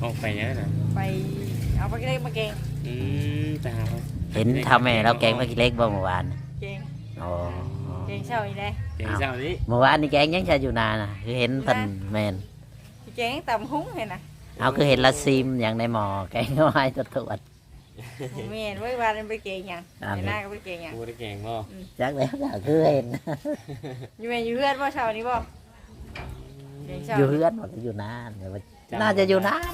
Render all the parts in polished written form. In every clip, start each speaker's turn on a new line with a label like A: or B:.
A: ออกไปยังน่ะ
B: ไปเอาไปเล็กมาเก่ง
A: แต่หา
C: เห็นทำแม่เราแกงผักขี้เหล็กบ่เมื่อวาน
B: เก่ง
C: อ๋อ
B: เก่งเช้าอีได้
A: เก่งเช้านี้
C: เมื่อวานนี่แกงยังจะอยู่นานน่ะคือเห็นเพิ่นแม่น
B: เก่งตำหุ้งเห็นน่ะ
C: เอาคือเห็นละซิมอย่างในหม้อแกงเอาไว้ตรวจ
B: แม่นไว้วานไปเก่งหยังหน้าก็ไปเก่งหยัง
A: บ่ได้เก่งบ่
C: จักแล้วก็คือเห็น
B: อยู่แม่อยู่เฮือนบ่เช้านี้บ่
C: อยู่เฮือนบ่อยู่นานน่าจะอยู่นาน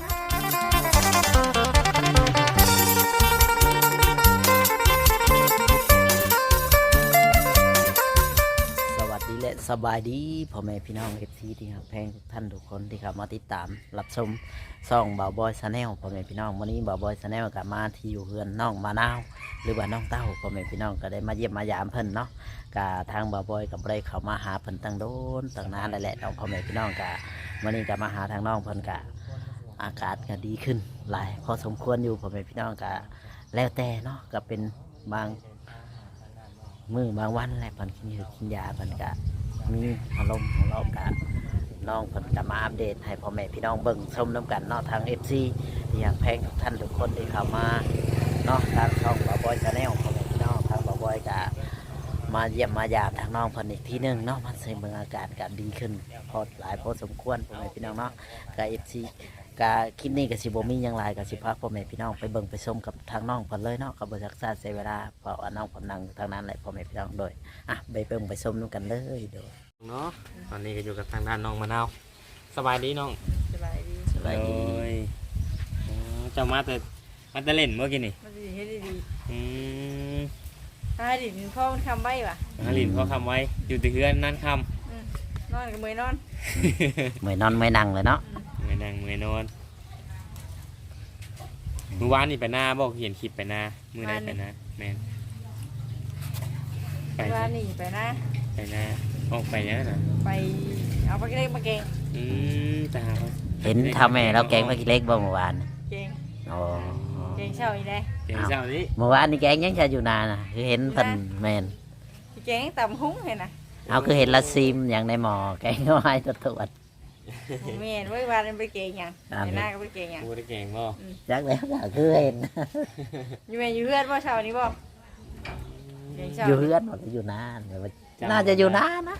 C: และสบายดีพ่อแม่พี่น้องเอฟซีที่ครับแพงทุกท่านทุกคนที่ครับมาติดตามรับชมช่องบ่าวบอยชาแนลพ่อแม่พี่น้องวันนี้บ่าวบอยชาแนลกับมาที่อยู่เฮือนน้องมะนาวหรือว่าน้องเต้าพ่อแม่พี่น้องก็ได้มาเยี่ยมมายามเพิ่นเนาะกับทางบ่าวบอยกับได้เข้ามาหาเพิ่นตั้งโดนตั้งนานแล้วแหละน้องพ่อแม่พี่น้องกับวันนี้ก็มาหาทางน้องเพิ่นกับอากาศก็ดีขึ้นหลายพอสมควรอยู่พ่อแม่พี่น้องกับแล้วแต่เนาะก็เป็นบางมือบางวันแหละเพิ่นกินยาเพิ่นก็มีอารมณ์ของเรากับน้องเพิ่นก็มาอัปเดตให้พ่อแม่พี่น้องเบิ่งชมน้ำกันเนาะทาง FC ที่อยากแพงทุกท่านทุกคนที่เข้ามาเนาะทางช่องบ่าวบอยชาแนลพ่อแม่พี่น้องทางบ่าวบอยก็มาเยี่ยมมายามทางน้องเพิ่นอีกทีนึงเนาะมันใส่เบิ่งอาการก็ดีขึ้นพอหลายพอสมควรพ่อแม่พี่น้องเนาะกับ FC ก็คลิปนี้ก็สิบ่มีหยังหลายก็สิพาพ่อแม่พี่น้องไปเบิ่งไปชมกับทางน้องเพิ่นเลยเนาะก็บ่ซักษาเสียเวลาเพราะว่าน้องเพิ่นนั่งทางนั้นแหละพ่อแม่พี่น้องโดยไปเบิ่งไปชมนำกันเลยโดย
A: เนาะตอนนี้ก็อยู่กับทางด้านน้องมะนาวสบายดีน้อง
B: สบายดี
A: เจ้ามาแต่เล่นเมื่อกี้นี่
B: มันดีให้ดีถ้าดินพ่อมันคำไว้ป่ะ
A: ลินพ่อคำไว้อยู่ที่เฮือนนั่นคำ
B: นอนกับมือนอน
C: เมื่อยนอนเมื่อยนั่งเลยเนาะ
A: เมื่อยนั่งเมื่อยนอนเมื่อวานนี่ไปหน้าบอกเห็นคลิปไปหน้ามือไหนไปหน้าแมน
B: ไปว่านี่ไปนะ
A: ไปหน้าออกไปยังน่ะ
B: ไปเอาไปเล็กมาเก่ง
A: แต่หา
C: เห็นทำแม่เราแกงผักขี้เหล็กบ่เมื่อวาน
B: เก่ง
C: อ๋อ
B: เก่งเช้าอีได้
A: เก่งเช้านี้
C: เมื่อวานนี่แกงยังจะอยู่นานน่ะคือเห็นเพิ่นแม่น
B: เก่งตำหุ้งเห็นน่ะ
C: เอาคือเห็นละซิมอย่างในหม้อแกงเอาไว้ตรวจ
B: แม่นไว้วานไปเก่งหยังหน้าก็ไปเก่งหยัง
A: บ่ได้เก่งบ่
C: จักแล้วก็คือเห็น
B: อยู่แม่อยู่เฮือนบ่เช้านี้บ่
C: อยู่เฮือนบ่อยู่นานน่าจะอยู่นานนะ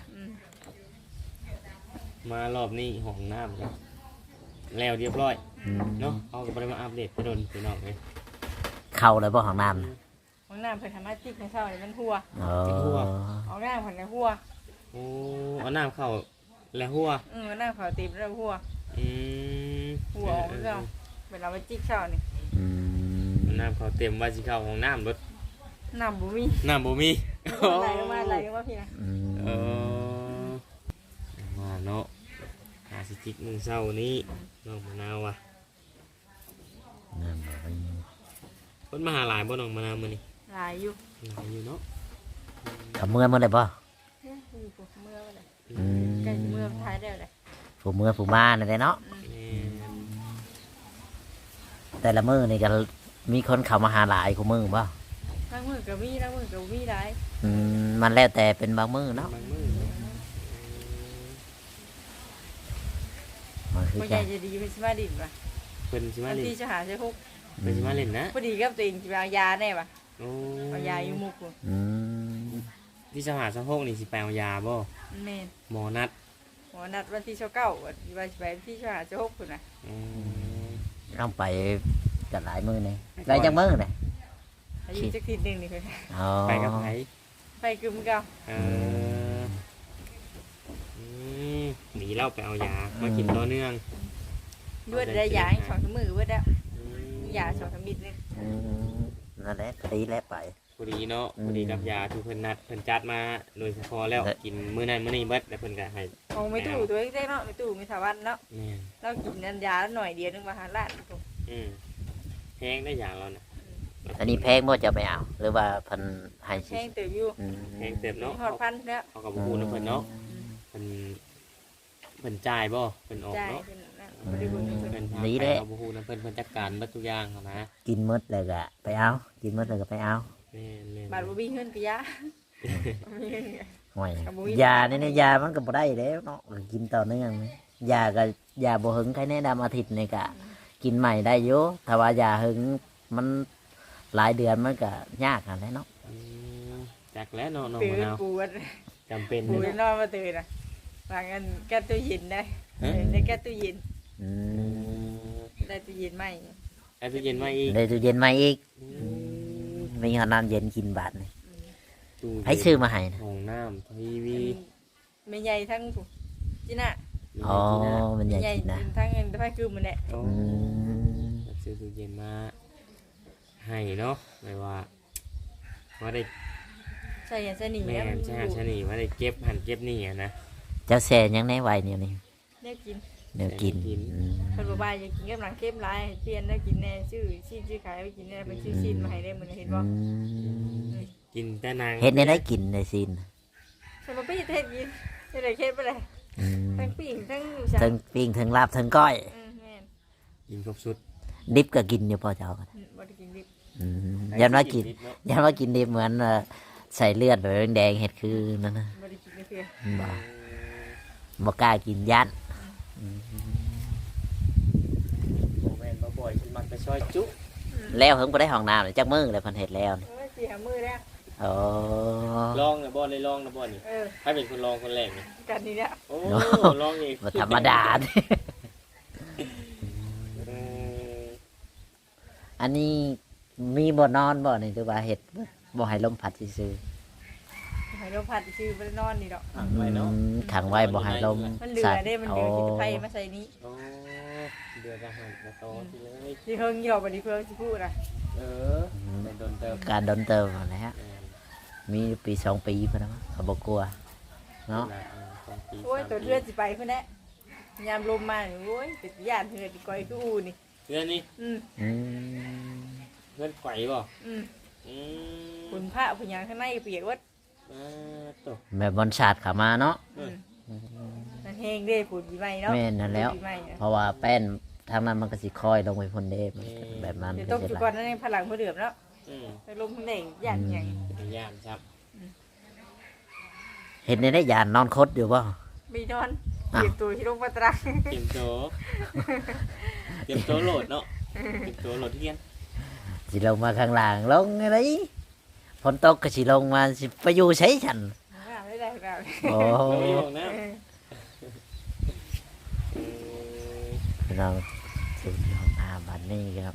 A: มารอบนี้ห้องน้ำครับแล้วเรียบร้อยเนาะเอาก็ไปมาอัปเดตไปโดนไปนอกเลย
C: เข้าเลยบ่ห้องน้ำ
B: ห้องน้ำเพิ่นทำมาจิกในเช้านี่มันหัวเอาน้ำเพิ่นในหัว
A: เอาน้ำเข้าแล้วหัว
B: น้ำเข้าตีบแล้วหัวหัวออกก็เป็นเราไปจิกเช้านี่
A: น้ำเข้าเต็มว่าสิเข้าห้องน้ำรถ
B: น้ำบุมีไหลมาพี่นะ
A: มาเนาะหาสิจิกมึงเศร้านี้น้องมะนาวว่ะคนมาหาหลายบ่น้องมะนาวมื้อนี้
B: หลายอยู่
A: เนาะ
C: กับเมื่อได้ป่ะ
B: เมื่อเลยใกล้เมื่อท้ายได้เลย
C: ผู้มาเนี่ยเนาะแต่ละมื้อนี่ก็มีคนเข้ามาหาหลายกูมื้อป่ะ
B: บางมื้อก็มีบางมื้อก็มีได้
C: มันแล้วแต่เป็นบางมื้อเนาะ
B: คนใหญ่จะดีเป็นชิมาดินป่ะ
A: เป็นชิมาดิน
B: ที่จะหาใช้พวก
A: เป็นชิมาดินนะ
B: พอดีกับตัวเองจะเอายาแน่ป่ะเอายาอยู่มุก
A: ที่จะหาสังหกนี่สิไปเอายาบ่หมอนัด
B: วันที่29วันไปที่จะหาใช้พวกคุณนะ
C: ต้องไปกันหลายมื้อนี่ได้จังมื้อนี่
B: อายุจักทีนึงนี่คือ
A: ไปกับไผ
B: ไปกึมเก่า
A: หนีเล่าไปเอายามากินต่อเนื่อง
B: ด้วยได้ยา2 มื้อด้วยแล้วยา2 มิตรนึง
C: นั่นแหละดีแล้วไป
A: พอดีเนาะพอดีกับยาที่เพิ่นนัดเพิ่นจัดมาโดยเฉพาะแล้วกินมื้อนั้นมื้อนี้เบิดแล้วเพิ่นก็ให้
B: ของไม่ตู้ตัวเล็กๆเนาะไม่ตู้ไม่ถาวันเนาะเรากินนันยาแล้วหน่อยเดียวนึงมาหาล้าน
A: แพงได้อย่างเราน่ะ
C: อันนี้แพงบ่จะไปเอาหรือว่าเพิ่นให้
B: แพงเติบอยู่
A: แพงเติบเนาะ
B: ฮอดพันแล้ว
A: เขาก็บ่ฮู้นำเพิ่นเนาะเพิ่นจ่ายบ่เพิ่นออกเนาะ
C: นี่แหละ
A: บ่ฮู้นำเพิ่นจัดการเบิดทุกอย่างนะ
C: กินหมดแล้วก็ไปเอากินหมดแล้วก็ไปเอา
B: บาดบ่มีเงินก็ยา
C: ห่วยยานี่ยามันก็บ่ได้แล้วเนาะกินต่อเนื่องยาก็ยาบ่หึงใครแนะนำอาทิตย์นี่ก็กินใหม่ได้อยู่ถ้าว่ายาหึงมันหลายเดือนมันก็ยากอะไรเนาะ
A: อืมจักแล้วเนาะน้อง
B: ตื่
A: มะ
B: น
A: นาว
B: ปวด
A: จำเป็น
B: ปว
A: เล
B: ด
A: ย
B: นอนมาตื่นอ่ะบางอันแก้ตู้เย็นได้ได้แก้ตู้เย็น
C: อืม
B: ได้ตู้เย็นไหม
A: ไอ้ตู้เย็นมาอีก
C: ได้ตู้เย็นมาอีก
A: อืม
C: มีหอน้ำเย็นกินบาทนี่
A: ตู้
C: ให้ซื้อมาให้นะ
A: ห้องน้ำทีวี
B: ไม่ใหญ่ทั้งถูกจีน่ะ
C: อ๋อมันใหญ่
B: ใหญ่
C: กินนะ
B: ทั้งเงินไฟคือมันแหละ
A: โอ้
C: อืม
A: ซื้อตู้เย็นมาให้เนาะไม่ว่าได้
B: ใส่ยันใส่หนี
A: แม่
B: แล้วมัน
A: ใช่ชะนีว่าได้เก็บหันเก็บนี่อะนะ
C: เจ้าแซ่ยังในไวเนี่ยนี่
B: ได้กิน
C: เดี๋ยวกิน
A: กิน
C: อืม
B: คนบ่ายอยากกินกับหนังเข้มลายเปลี่ยนได้กินแน่ชื่อชื่อขายไปกินแน่เป็นชื่อชิ้นมาให้ได้มันเห็นบ่
C: อืม
A: กินแต่นาง
C: เฮ็ดในได้กินในซีน
B: สมมติไปเทศกินจะได้เข้มไปเลย
C: อืม
B: ทั้งปิ่งทั้ง
C: ทั้งปิ้งทั้งลาบทั้งก้อย
B: แม่น
A: กินครบสุด
C: ดิบก็กินอยู่พอเจ้ากัน
B: บ่ได้กินดิบ
C: อืมยันว่ากิน
A: เนาะ
C: ยันว่ากินดิบเหมือนใส่เลือดแบบแดงๆเห็ดคือนั่นนะ
B: บ่ได้กินเพื่อ
C: บ่บ่กล้ากินยัน
A: โมแมนมาบ่อยฉันมักจะช่อยจุ
C: แล้วเพิ่งบ่ได้ห้องน้ำเลยจักมือเลยเพันเห็ดแล้วนี่
B: สี่หามือแล้ว
C: โอ้
A: ลองนะบ่เลยลองนะบ่นี่
B: เออ
A: ใครเป็นคนลองคนแรกนี่
B: กันนี่แหละ
A: โอ้ลองเอง
C: บ่ธรรมดาเด้
A: เออ
C: อันนี้มีบ่นอนบ่นี่หรือว่าเห็ดบ่ให้ลมพัดซื่อ
B: ให้เราผัดชื่อบ่ได้นอนนี่ดอก
A: ขังไว้เนาะ
C: ขังไว้บ่ให้ลม
B: มันเหลือได้มันเหลือกินไฟมาใส่นี้
A: โอ้เดือดอาหารมาต่อทีเลย
B: ที่เฮิงหยอกบัดนี้เพิ่นสิพูดน่ะ
A: เออเป็นโดนเติม
C: การดนเติมอะไรฮะ
A: แม่น
C: มีปี2 ปีเพิ่นนะเขาบ่กลัวเนาะ
A: 2 ปี
B: โอ้ย
A: 3
B: ตัวเลือดสิไปเพิ่นแหละยามลมมานี่โอ้ยเป็นญาติเฮือดก้อยคืออูนี่
A: เพื่อนนี่
B: อืม
C: อืม
A: เพื่อนไขว่บ่
B: อืม
A: อืม
B: คุณพระผู้หยังข้างในเปียกวัด
A: ตก
C: แม่บอลชาติเข้ามาเนาะ
B: อืมนั่นแห้งเด้ปูดปีใหม่เนาะ
C: แม่นนั่นแล้ว
B: ปูดปีใหม่อะ
C: เพราะว่าแป้นทางนั้นมันก็สิคอยลงไปพ่นเด้มันก็แบบนั้น
B: เดี๋ยว
C: ก็
B: ต้อง
C: จะ
B: จุ
C: ไหล
B: ก่อนนั่นเองพลังเพื่อเดือมแล้ว
A: อืม
B: ไปลมข้างในญาติหยัง
A: เป็นย่ามครับ
C: เห็นในได้ยานนอนคดอยู่ป่ะ
B: มีนอนเก็บตัวที่ลงมาตรัง
A: เตรียมโตเตรียมโตโหลดเนาะเตรียมโตโหลดเทียน
C: สิลงมาข้างล่างลงอะไรฝนตกก็สิลงมาสิไปอยู่ใช้ฉัน
B: ไม่ได้ครับ
C: โอ้
A: เราไม่บอกนะ
C: พี่น้องสู่ห้องน้ำบัดนี้ครับ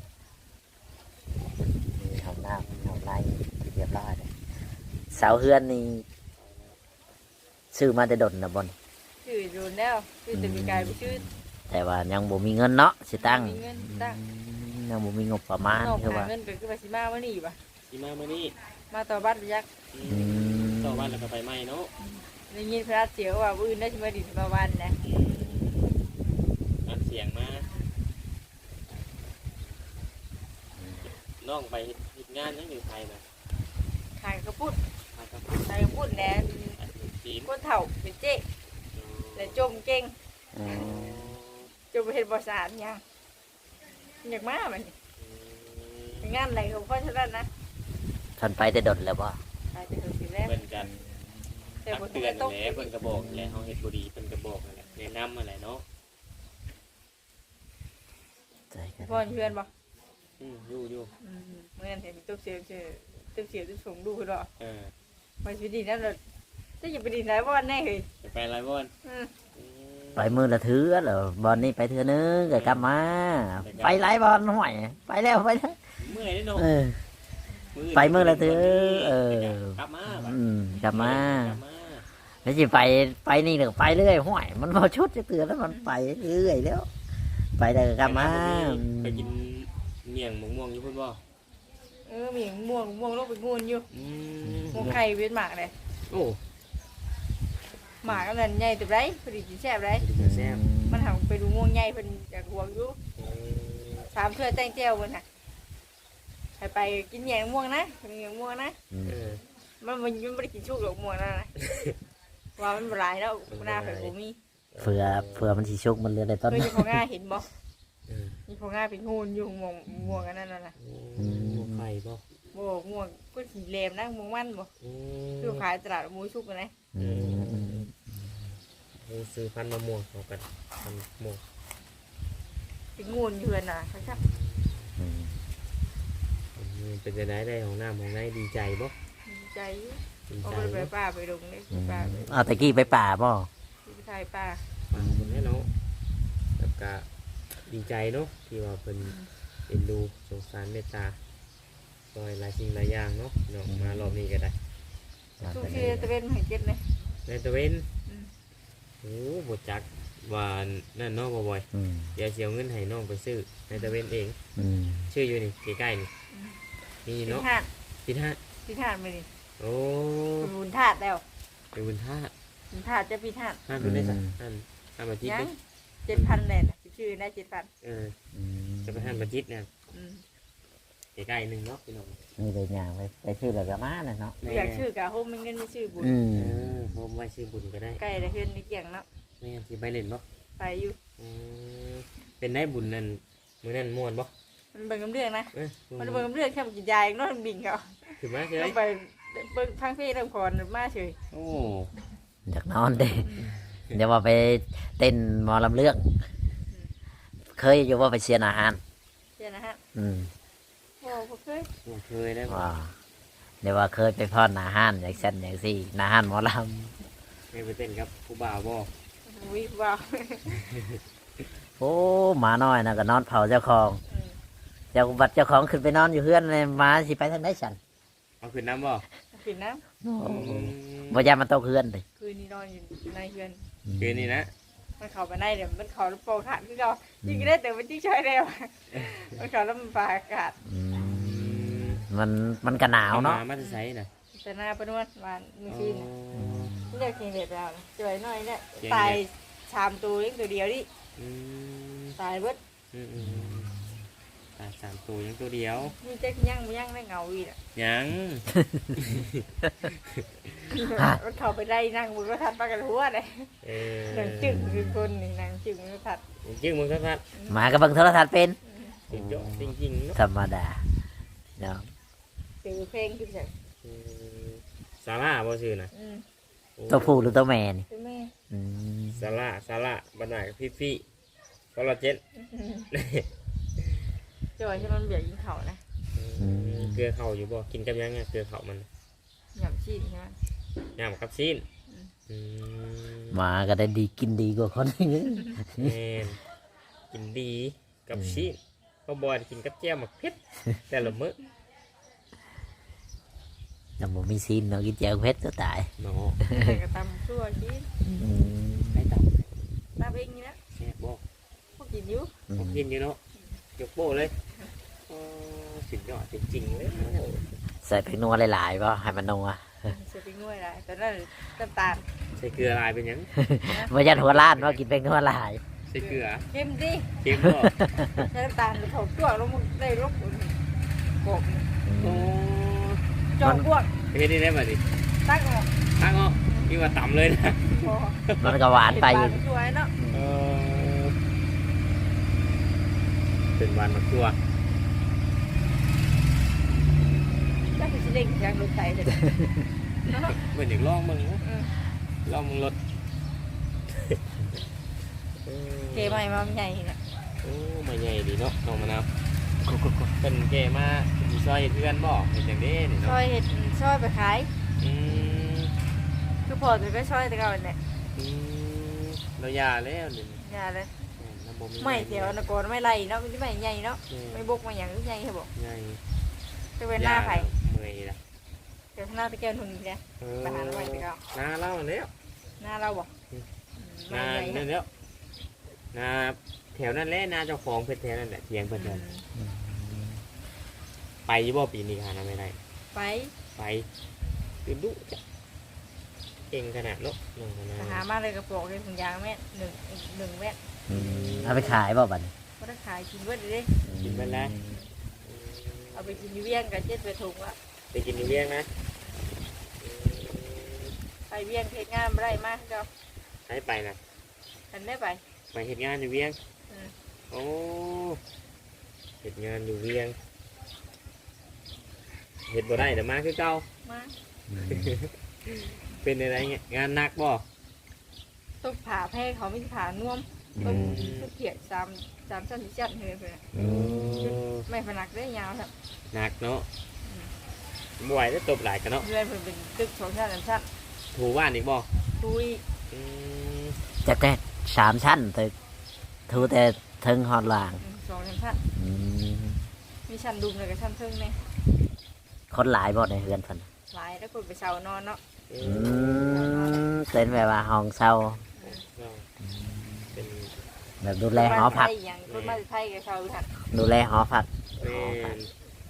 C: มีห้องน้ำห้องในที่เรียบร้อยเลยเสาเฮือนนี่ซื้อมาแต่ดนนะบน
B: ชื่อโดนแล้วชื่อจะมีกายไปชื่อ
C: แต่ว่ายังบ่มีเงินเนาะสิตั้ง
B: มีเงินตั้ง
C: ยังบ่มีงบประมาณ
B: นอก
C: คือ
B: หา
C: ว่า
B: เงินก็คือไปสิมาวันนี้ป่ะ
A: สีมาเมื่อนี้
B: มาต่อบัตรยักษ์
A: ต่อวันแล้วก็ไปไหมเนาะ
B: ได้ยินพระเสียวว่าอื่นได้ชิมาดิมาวันนะ
A: อัดเสียงมาน้องไปเฮ็ดงานยังอยู่ไทยนะ
B: ขายกระปุ้น
A: ไปกับ
B: ขายกระปุ้นแล้ว
A: จีน
B: ก้นเถ่าเป็นเจ๊แต่จมเก่ง
C: อืม
B: จมไปเห็นบริษัทยังอยากมามันเป็นงานอะไรของพ่อชนะนะ
C: ท่านไปแต่ดนแล้วบ่
B: ขายแต่ตัวสีแรก
A: เพิ่นกัน
B: แต่
A: ตัก
B: บน
A: เตื
B: เตื
A: อ
B: อน น
A: แหละเพิ่นกระบอกแหละเฮาเฮ็ดบ่ดีเพิ่นกระบอกนั่นแหละแนะนำอะไรเนาะ
C: ใจกัน
B: พ่อเพื่อนบอก
A: อยู่
B: เมื่อเห็นตุ๊บเสียวตุ๊บเสียวตุ๊บส่งดูคือหรอ
A: เออ
B: มาชีวิตดีนั่นเลยจะอยู่ไปดีไหนบ้านแน่เลย
A: จะไปอะไรบ่อน
C: ไปมือละเถือเหรอบอลนี่ไปเถือนึงก็กลับมา ไปหลายบอลห่วยไปแล้วไปแล้ว
A: เมื่อยเด้เนาะ
C: เออ ไปมื้อละเทื่อเออ
A: กลับมา
C: กลับมา
A: กลับมา
C: แล้วสิไปนี่เดี๋ยวไปเรื่อยห่วยมันพอชุดจะเตือนแล้วมันไปเรื่อยแล้ว ไปแล้วก็กลับมา
A: ไปกินเมี่ยงมะม่วงอยู่พุ่นบ่
B: มีม่วงลูกเป็นงูอยู่ม่วงไข่เวียนหมากเลย
A: โอ้
B: หมากก็นั่นใหญ่ตัวไรพอดีกินแซ่บไร
A: แซ่บ
B: มันหันไปดูม่วงใหญ่เป็นจากห่วงอยู่3 เทื่อแตงเจียวมันน่ะไปกินแยงม่วงนะกินแยงม่วงนะ
A: เออ
B: มันไม่ได้กินชุกหรอกม่วงนั่นนะว่ามันหลายแล้วหน้าไข่ผมมี
C: เผื่อมันสิชุกมันเหลือได้ต้น
B: เคยจะพอง่าเห็นบ่มีพอง่าเป็นงูอยู่ม่วงกันนั่นน่ะ
A: ม่วงไข่บ่
B: บ่ม่วงก็สีแหลมนะม่วงมันบ่คือขายตลาดมูชุกนะ
A: ซื้อพันธุ์มะม่วงเขากันพันธุ์ม่วง
B: เป็นงูนอยู่น่ะเขาจับ
C: อืม
A: เป็นจะได้ของน้ำของในดีใจบ่
B: ดีใจ
A: ดี
B: เอา
A: ใจ
B: ไป
A: บ่
B: ป้าไปลงเลยป้าไป
C: เอาตะกี้ไปป่าบ่
B: ที่ไทยป้า
A: ฟังคนแน่เนาะแล้วก็ดีใจเนาะที่ว่าเป็นเอ็นดูสงสารเมตตาซอยหลายสิ่งหลายอย่างเนาะเนาะมารอบนี้ก็ได้
B: ทุกทีตะเวนให้เจ็บเลย
A: ในตะเวนโอ้บทจักว่านั่นเนาะบ่บ่อย
C: อืม
A: เดี๋ยวเสียเงินให้น้องไปซื้อในตะเวนเอง
C: อืม
A: ชื่ออยู่นี่ใกล้ๆนี่นี่
B: พิ
A: เนาะ
B: ธาต
A: พิธา
B: พิธาตไปดิ
A: โอ้
B: บุญธาตุแล้ว
A: เป็นบุญธาตุ
B: บุญธาตุจะพิธาต
A: ห้ามเป็นได้สักห้ามบัจิต
B: ยัง
A: เนาะ
B: 7,000เลยชื่อได้7,000
A: เออ
C: อืม
A: จะไปห้ามบัจิตเนี่ย
B: อืม
A: ใกล้ๆหนึงเนาะพี่น้อง
C: นี่เลยอย่างไปชื่อแล้วก็มาน่ะเนาะ
B: อยากชื่อกะโฮมมันเงินไม่ชื่อบุญ
C: อืม
A: เออผมไว้ซื้อบุญก็ได้
B: ใกล้ละเฮือนนี่เกี่ยงเนาะ
A: ไม่งั้นสิไปเล่นบ่
B: ไปอยู่
A: เป็นได้บุญนั่นมื้อนั้นม่วนบ่
B: มันเบิ่งกับเรื่องนะ
A: เอ้ย
B: มันเบิ่งกับเรื่องแค่กินยาเองเนาะมันบิ่งเขา
A: ถึงมาเฉ
B: ต้
A: ย
B: องไปเบิ่งพังเพลงเรื่องพรมาเฉย
A: โอ้
C: อยากนอนเด้เดี๋ยวว่าไปเต้นหมอลำเลือกเคยอยู่ว่าไปเชียร์อาหาร
B: เจ้านะฮะ
C: อืม
B: โอ้บ่เคย
A: บ่เคยได้บ่
C: ว่าเดี๋ยวว่าเคยไปพอดอาหารอย่างเช่นอย่างสี่อาหารหมอล
A: เคยไปเต้นกับผู้บ่าวบ่
B: วิว้าว
C: ำโอ้หมาน้อยนะก็นอนเผาเจ้าของเจ้าบัดเจ้าของขึ้นไปนอนอยู่เพื่อนเลยหมาสิไปทางไหนฉัน
A: เอาขึ้นน้ำบ่
B: ปิดน้
C: บ่ยามันโตเพื่อนเลย
B: ำคืนนี้นอนอยู่ในเฮือน
A: คืนนี้นะ
B: มันเข้าไปในเดี๋ยวมันเข้าแล้วโปงขาดคือเรายิงได้แต่มันยิ่งช่วยเร็วมันเข้าแล้วมันปาอากาศ
C: อืมมันก็หนาวเนาะ
A: มาจะใส่น่ะ
B: แต่หน้าเป็นวันวันมือซีน
A: อ๋อ
B: ไม่อยากกินเด็ดแล้วจ่วยหน่อยเนี่ยตาย3 ตัวเองตัวเดียวดิ
A: อืม
B: ตายเบิด
A: อืมตา3ตัวยังตัวเดียว
B: มีเจ๊กย่างได้เงาอีกอ่ะ
A: ยัง
B: มันเข้าไปได้นั่งบนกระทัดปากกันหัวเลย
A: เออ
B: นั่งจึงคือคนนี่นั่งจึงกระทัด
A: จึงมึงครับ
C: หมากับเบิ่งโทรทัศน์เป็น
A: จริงจ้ะจริงๆเนาะ
C: ธรรมดาเนาะ
B: ตื่นเพลงขึ้นจาก
A: ซาร่าบ่ชื่อน่ะ
C: ตัวผู้หรือตัวแม่นี่
B: คือแม่
C: อืม
A: ซาร่าบรรณาพี่คอลลาเจน
B: จอยที่มันเบียดยิงเขานะ
A: เกลือเข่าอยู่บ่กินกับยังไงเกลือเข่ามัน
B: หย่ำชีดใช่ไหม
A: ยำกับซีน
C: หมาก็ได้ดีกินดีกว่าคนอื่น
A: แม่นกินดีกับซีนก็บอยกินกับแจ่วหมักเผ็ดแต่ละมื้อ
C: แต่บ่มีซีนเนาะกินแจวเพชรก็ตาย
A: เนาะ
B: แต่ก็ตำชั่วชีด
C: อืม
A: ให้ตับ
B: ตำเองนี่นะ
A: แซ่บบ่
B: พวกกินอยู่
A: ผมกินอยู่เนาะยกโป้เลยสุดยอดจริงๆเลย
C: ใส่พริกนัวหลายๆป่ะให้มันนัว
B: เสียไปง่วยไรแต่นั่นน้ำตาล
A: ใส่เกลือลายเป็นยัง
C: บ่ยันหัวล้านว่ากินพริกนัวหลาย
A: ใส่เกลือ
B: เค็มดิ
A: เค็มบ่
B: ใช้น้ำตาลเขาจ้วงแล้วมันได้รบกบ
A: โอ้
B: จองพวก
A: เฮ็ดได้ได้บ่ดิ
B: ตั้งออก
A: ตั้งออกนี่ว่าต่ำเลยนะ
B: พอ
C: มันก็หวานไปอยู่
B: สวยเนาะ
A: เป็นวันมาตัว
B: ก็คือสิเล่งจากรถไถเลย
A: เหมือนอย่างลองมึงนะลองมึงรถ
B: เกใหม่มาใหญ่เนี่ย
A: โอ้ไม่ใหญ่ดีเนาะน้องมะนาวเป็นเกมาเป็นซอยเพื่อนบอกเป็นอย่างนี้นี่
B: ซ
A: เนาะ
B: อยเห็ดซอยไปขาย
A: อืม
B: คือพอจะไปซอยแต่เก่าเนี่ย
A: เรายาแล้วนี่
B: อย่าเลย
A: น้ำบ่
B: ไม่เดี๋ยวนะก่อนไม่ไรเนาะมันจะไม่ใหญ่เนาะไม่บกมาอย่างใหญ่เหรอบอก
A: ใหญ่
B: จะเป็นหน้าไผ่
A: เมื่อยละ
B: เดี๋ยวหน้าตะแกรงทุนนี่เนี่ยมาหาหน่อยแต่เก่า
A: นาเล่าแล้ว
B: หน้าเราบอก
A: นา
B: ไม่ใหญ่
A: นั่นแล้วนาแถวนั้นแหละนาเจ้าของเพิ่นแถวนั้นแหละเทียงเพิ่นแถวนั้นไปบ่ปีนี้หานาไม่ได้
B: ไป
A: ไปคือดุจ้ะเก่งขนาดเนาะน้องมะนาว
B: หามาเลยกระโปรงเลยถุงยางแม่หนึ่งแม่
C: เอาไปขายบ่บัดนี้
B: ก็ได้ขายกินเบิดเลย
A: กินไปแล้ว
B: เอาไปกินอยู่เวียงกับเจ็ดไปถุงละ
A: ไปกินอยู่เวียงนะ
B: ไปเวียงเทศงานไม่ได้มากเจ้า
A: ให้ไปนะ
B: ฉันได้ไป
A: ไปเห็ดงานอยู่เวียง
B: อืม
A: โอ้เห็ดงานอยู่เวียงเห็ดบ่ได้แต่มาคือเก่า
B: มา
A: เป็นอะไรเงี้ยงานหนักบ่
B: ต้องผ่าแพ้เขาไม่ผ่าน่วมต้นเขียด3 ชั้น4 ชั้นเฮือนเพิ่นน่ะ
C: อืม
B: ไม่พนักได้ยาวครับ
A: หนักเนาะบ่ไหวได้ตบหลายกันเนาะ
B: เฮือนเพิ่นเป็นตึก2 ชั้น3 ชั้น
A: ถูบ้านอีกบ่
B: ตุย
A: อืม
C: จะแต่3 ชั้นตึกทูแต่ถึงฮอดล่าง
B: 2 ชั้น
C: อืม
B: มีชั้นดุมแล้วก็ชั้นเทิงแน่
C: คนหลายบ่ในเฮือนเพิ่น
B: หลายแล้วคนไปเช่านอนเนาะ
A: อื
C: อื
A: ม
C: มเป็นแบบว่าห้องเช่า
A: เนาะเป็น
C: แบบดูแลหอพัก
B: คนมาจากไทยอย่างคนมาจากไทยก็เช่าอยู่หั่น
C: ดูแลหอพัก
A: แม่น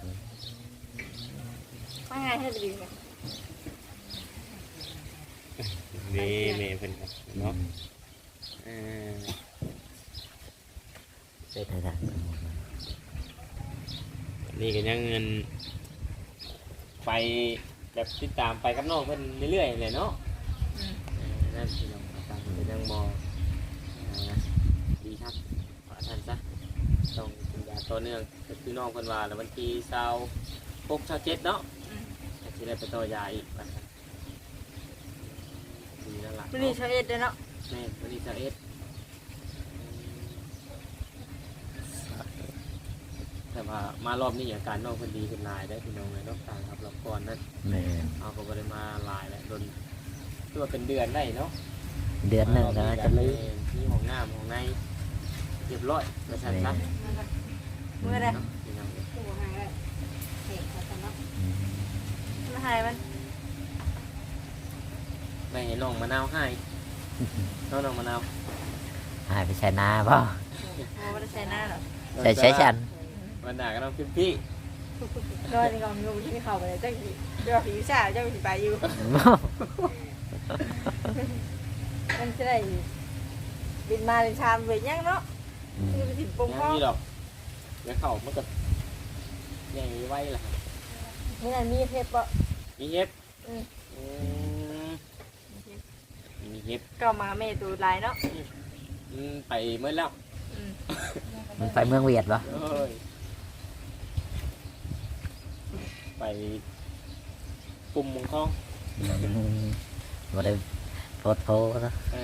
B: มาง่ายให้ดีเลย
A: นี่แม่เพิ่นก็เนาะเออ
C: ได้
A: นี่ก็ยังเงินไปแบบติดตามไปกับน้องเพิ่นเรื่อยๆเลยเนาะ นั่นพี่น้องอาการเป็นยังมอดีครับขอท่านซะต้องกินยาต่อเนื่องก็คือน้องคนว่าแล้ววันที่26-27เนาะอาจจะได้ไปต่อยาอีกนะครับดีแล้วล่ะ
B: วันนี้เช้าเอ็ดเด้อเนาะ
A: แม่วันนี้21แต่ว่ามารอบนี้อาการน้องคนดีขึ้นหลายได้พี่น้องเลยเนาะต่างครับรอบก่อนนั้น
C: แม่
A: เอาก็บ่ได้มาหลายแล้วโดนคือว่าเป็นเดือนได้เนาะ
C: เดือนหนึ่งแล้วจะลืม
A: มีห้องน้ำห้องในเรียบร้อยมาสั่นซะ
B: เมื่อไร
A: เนาะพี่น้อง
B: มาหายมัน
A: ไม่ให้น้องมะนาวให้น้องมะนาว
C: หายไปใช้นาบ่
B: โอ้ไม่ได้ใช้หน้าหรอ
C: ใช้ฉัน
A: วันหน้าก็น้องพิมพี่
B: นอนในกองงูที่ไม่เข้าไปเลยเจ้าผีเจ้าผีชาเจ้าผีปลาอยู่มันจะได้บินมาในชามเวียยังเนาะคือไปถิ่นปง
A: ยัง
B: พ่อ
A: มีดอกเดี๋ยวเข่ามันก็ยังไว้ล่ะ
B: นี่นั่นมีเทปปะ
A: มีเฮ็ด
B: อืม
A: อืมมีเฮ็ด
B: ก็มาเมตูลายเนาะ
A: ไปเมื่อแล้ว
C: มันไปเมืองเวียดบ่
A: เอ้ยไปปุ่มมงคลอง
C: บ่ได้โพสต์โพสต์นะ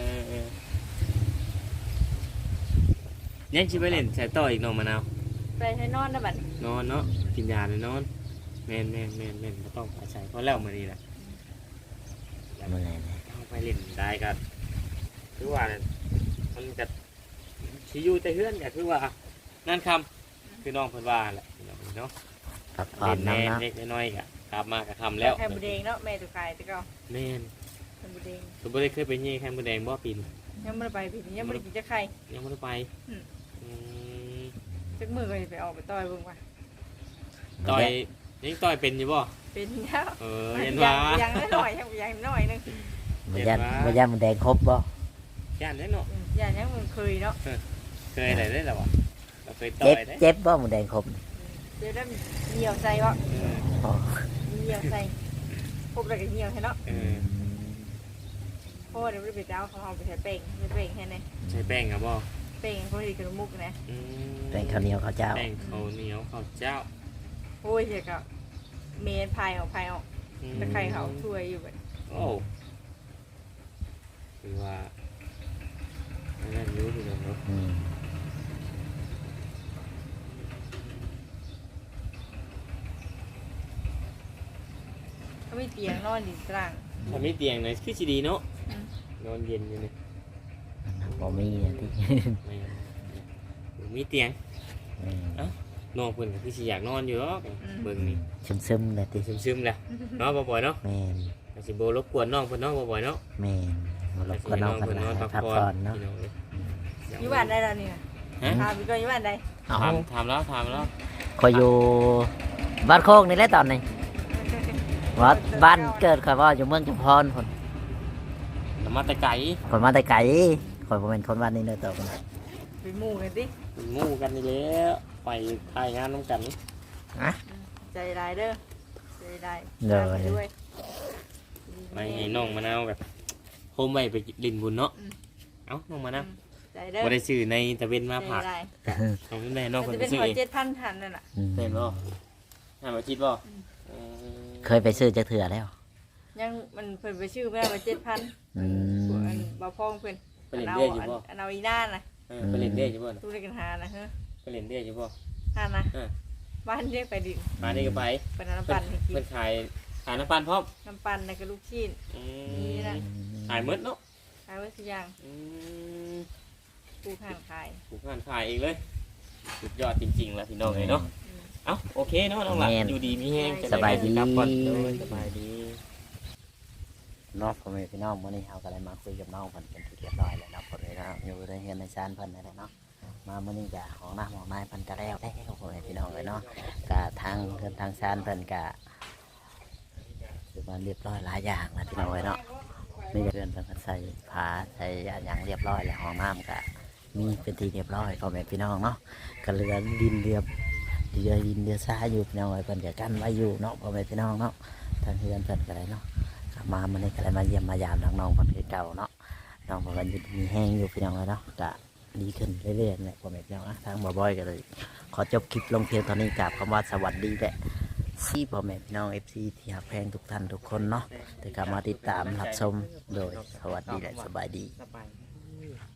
A: ยังชิไปเล่นใส่ต่ออีกน้องมะนาว
B: ไปให้นอนนะบัด
A: นอนเนาะกินยาเลยนอนแม่นก็ต้องอาศัยเพราะแล้วมานี่แหละ
C: เมื่อไงนะ
A: เอาไปเล่นได้ก็คือว่ามันจะชิอยูแต่เพื่อนก็คือว่านั่นคำคือน้องเพิ่นว่าแหละพี่น้องเนาะ
C: พักผ่อ
A: เล่
C: น
A: นแน่
C: น้ำเนาะ
A: เล็กน้อยๆก็กลับมาก็ทำแล้ว
B: ไข่บุเดงเนาะแม่ตุกไก่ตะเกา
A: แม่น
B: ไข่บุเดง
A: คือบ่ได้เคยไปเยี่ยแค่มดแดงบ่ปีน
B: ยังไม่ได้ไปผิดยังไม่ได้กินจะไข่
A: ยังบ่ได้ไปอืม
B: จักมือก็จะไปออกไปต่อยเบิ่งว่า
A: ต่อยยังต่อยเป็นอยู่บ่
B: เป็นแล้ว
A: เห็นว่า
B: ยังน้อยยังน้อยนึง
C: มันยันมันแดงครบบ่
A: ย่านได้เนาะ
B: อย่างนี้มันเคยเนาะ
A: เคยได้แล้วบ่เราเคยต่
C: เจ็
A: อบ ยได้
C: เจ็บบ่มันแดงครบ
B: เดี๋ยวนั้นเหนียวใส่วะ
C: อ๋อ
B: เหนียวใส่พบอะไรกันเหนียวใช่เนาะ
A: เออ
B: เพราะว่าเดี๋ยวไปเจ้าเขาเอาไปใช้เป่งไปเป่งแค่ไหน
A: ใช้แป้งครับบ่
B: เป่งเขาดีกับมุกนะ
A: อืม
C: แดงข้าวเหนียวข้าวเจ้า
A: แป้งข้าวเหนียวข้าวเจ้า
B: โอ้ยเจ๊กับเมนพายออกตะไคร้เขาช่วยอยู่แบบ
A: โอ้คือว่าอันนั่นรู้ที่เนาะ
C: อืม
B: เขาไม่เตียงนอนดีกลาง
A: ถ้ามีเตียงหน่อยคือสิดีเนาะนอนเย็นอยู่นี่
C: บ่มีอันที่
A: ไม่มีเตียง
C: อืม
A: น้องเพิ่นก็คือสิอยากนอนอยู่หรอกเบิ่งนี่
C: ซึมๆเลยติ
A: ซึมๆแหละเนาะบ่อยๆเนาะ
C: แม่น
A: ก็สิบ่รบกวนน้องเพิ่นเนาะบ่อยๆเนาะ
C: แม่นบ่รบกวนน้องกันนะพักผ่อนเนาะ
B: อยู่บ้านได้แล้วนี่
A: ฮะ
B: ถามพี่ก็อยู่บ้านได้
C: เอา
A: ถามแล้ว
C: คอยอยู่บ้านโคกนี่แหละตอนนี้ว่าบ้านเกิดข่อยว่าอยู่เมืองจุฬาภรณ์คน
A: แล้วมาแต่ไกล
C: คนมาแต่ไกลข่อยบ่เป็นคนบ้านนี้เด้อตัวคน
B: ไปหมู่กันสิ
A: เป็นหมู่กันนี่แหล้วไปถ่ายงานนํกัน
B: ใจร้ายเด้อใจร้าย
C: เด้อ
B: ไปด้วย
A: ไปให้น้องมะนาวแบบโฮมไว้ไปลินบุญเนาะเอ้าน้องมะนาว
B: ใจเด้อ
A: บ่ได้ซื้อในตะเวนมา
B: ใจ
A: ผัก
B: ร้าย
A: น้องแม่น้อง
B: มัน
A: เพิ่น
B: จะ
A: ไป
B: เป็น
A: ซื้อ
B: หัว
A: เอง
B: 7,000ทันนั่นน่ะ
A: เป็นบ่น่ามาคิดบ่
C: เคยไปซื้อจักเถื่อแล้ว
B: ยังมันเพิ่นไปชื่อแม่ว่า7,000
C: อื
B: ส่วน
C: ม
B: อันบ่พ้องเพิ่น
A: ไปเล่นเรื่อยอยู่บ่
B: อันเอาอีน่าน่ะ
A: ไปเล่นเด้อยู่บ่น่ะ
B: ตู้เล็กกันหานะฮะ
A: ไปเล่นเด้อยู่บ่
B: หานะ
A: อ่า
B: บ้านเรียกไปดิน
A: มานี่ก็ไป
B: เป็นน้ำปั่นให้กิน
A: เพิ่นขายน้ำปั่นพร้อม
B: น้ำปั่นแล้วก็ลูกชิ้น นี่นะ
A: ขายหมดเนาะ
B: ขายไว้ทุกอย่าง
A: อืม
B: ปูข้างขาย
A: ปลูกงานขายเองเลยสุดยอดจริงๆแล้วพี่น้องเลยเนาะเอ้าโอเคเนาะน้องหลัก
C: แม่น
A: อยู่ดีมีแห้งจะ
C: สบายดี
A: ครับก่อนโดยสบายดี
C: เนาะพ่อแม่พี่น้องมื้อนี้เฮาก็ได้มาคุยกับน้องเพิ่นเป็นที่เรียบร้อยแล้วเนาะพ่อแม่พี่น้องอยู่ในเฮือนในศาลเพิ่นนั่นแหละเนาะมามื้อนี้ก็ของน้าของนายเพิ่นก็แล้วพ่อแม่พี่น้องเลยเนาะก็ทางเฮือนทางศาลเพิ่นก็คือมาเรียบร้อยหลายอย่างแล้วพี่น้องเลยเนาะนี่ก็เฮือนเพิ่นก็ใส่ผ้าใส่อันหยังเรียบร้อยแล้วห้องน้ำก็มีเป็นที่เรียบร้อยพ่อแม่พี่น้องเนาะก็เหลือดินเรือดินเรือทรายอยู่พี่น้องเลยเพิ่นก็กั้นไว้อยู่เนาะพ่อแม่พี่น้องเนาะทางเฮือนเพิ่นก็ได้เนาะ มามันนี่ก็เลยมาเยี่ยมมายามน้องๆคนเก่าเนาะน้องบอกว่าอยู่มีแห้งอยู่พี่น้องเลยเนาะก็ดีขึ้นเรื่อยๆเนี่ยพ่อแม่พี่น้องนะทางบ่อยๆก็เลยขอจบคลิปลงเพียงเท่านี้กับคำว่าสวัสดีแหละซีพ่อแม่พี่น้อง FC ที่หักแพงทุกท่านทุกคนเนาะแต่กลับมาติดตามรับชมโดยสวัสดีและสบายดี
A: สบาย